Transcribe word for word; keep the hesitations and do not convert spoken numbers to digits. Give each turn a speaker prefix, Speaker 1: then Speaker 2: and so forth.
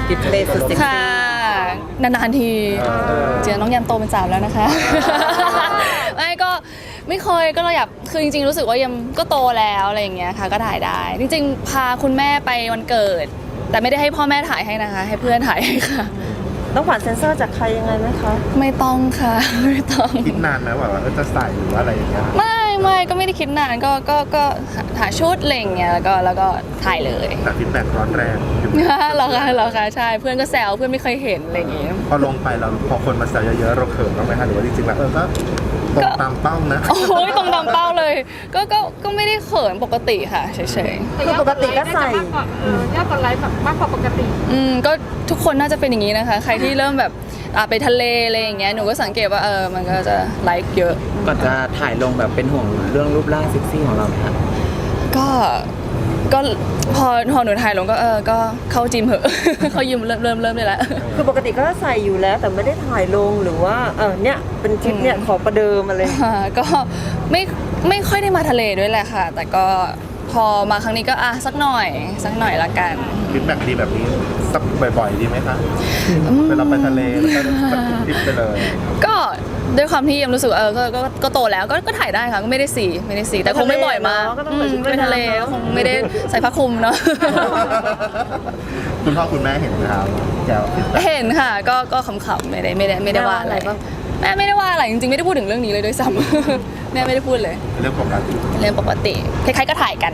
Speaker 1: กิฟต์เลสสุดเซ็กซี่
Speaker 2: ค่ะนานๆทีเจอน้องยามโตเป็นสาวแล้วนะคะ ไม่ก็ไม่เคยก็เราอยากคือจริงๆรู้สึกว่ายามก็โตแล้วอะไรอย่างเงี้ยค่ะก็ถ่ายได้ จริงๆพาคุณแม่ไปวันเกิด แต่ไม่ได้ให้พ่อแม่ถ่ายให้นะคะ ให้เพื่อนถ่ายให้ค่ะ
Speaker 1: ต้องผ่านเซ็นเซอร์จากใครยังไงไหมคะ
Speaker 2: ไม่ต้องค่ะ ไม่ต้อง
Speaker 3: คิดนานไหมว่าจะใส่หรือว่าอะไรอย่างเงี้ย
Speaker 2: ไม่ไม่ก็ไม่ได้คิดนานก็ก็ก็หาชุดอะไรอย่างเงี้ยแล้วก็แล้วก็ถ่ายเลย
Speaker 3: แต่ฟีดแบ็กร้อนแรงอยู่
Speaker 2: เหรอคะเหรอคะใช่เพื่อนก็แซวเพื่อนไม่เคยเห็นอะไรอย่างเงี้ย
Speaker 3: พอลงไปเราพอคนมาแซวเยอะๆเราเขินบ้างไหมคะหรือว่าจริงๆแล้วเออก็ตรงตามเป้านะ
Speaker 2: โอ้ยตรงตามเป้าเลยก็ก็ก็ไม่ได้เขินปกติค่ะเฉย
Speaker 1: คือปกติก็ใส่
Speaker 4: เออยอดกดไลค์แบบมากกว่าปกติ
Speaker 2: ๆอืมก็ทุกคนน่าจะเป็นอย่างนี้นะคะ ใครที่เริ่มแบบอ่ะไปทะเลอะไรอย่างเงี้ยหนูก็สังเกตว่าเออมันก็จะไลค์เยอะ
Speaker 5: ก่อนจะถ่ายลงแบบเป็นห่วงเรื่องรูปร่างเซ็กซี่ของเราไหมครับ
Speaker 2: ก็ก็พอพอหนูถ่ายลงก็เออก็เข้าจิมเหอะ เข้ายิมเริ่มเริ่มเริ่มได้แล้ว
Speaker 1: คือปกติก็ใส่อยู่แล้วแต่ไม่ได้ถ่ายลงหรือว่าเออเนี่ยเป็นทริปเนี่ยขอประเดิมอะไร
Speaker 2: อ่าก็ไม่ไม่ค่อยได้มาทะเลด้วยแหละค่ะ แต่ก็พอมาครั้งนี้ก็อ่ะสักหน่อยสักหน่อยละกัน
Speaker 3: ฟีดแบ็กดีแบบนี้สักบ่อยๆดีไหมคะเวลาไปทะเลแล้วก็แบบทริปไปเลย
Speaker 2: ก็ด้วยความที่ยังรู้สึกเออก็ก็ก็โตแล้วก็ก็ถ่ายได้ค่ะก็ไม่ได้สีไม่ได้สีแต่คงไม่บ่อยมาก
Speaker 1: ก็ต้อง
Speaker 2: อื
Speaker 1: ไป
Speaker 2: ม
Speaker 1: ชุด
Speaker 2: ไป
Speaker 1: ว่าย
Speaker 2: ทะเล
Speaker 1: น้ำเนอะ
Speaker 2: คงไม่ได้ใส่ผ้าคลุมเนาะ
Speaker 3: คุณพ่อคุณแม่เห็นไหมครับแกวฟีดแบ็ก
Speaker 2: เห็นค่ะก็ก็ขำๆไม่ได้ไม่ได้ไม่ได้ว่าอะไรแม่ไม่ได้ว่าอะไรจริงๆไม่ได้พูดถึงเรื่องนี้เลยด้วยซ้ำ แม่ไม่ได้พูดเลย
Speaker 3: เรื่องปกติ
Speaker 2: เรื่องปกติคล้ายๆก็ถ่ายกัน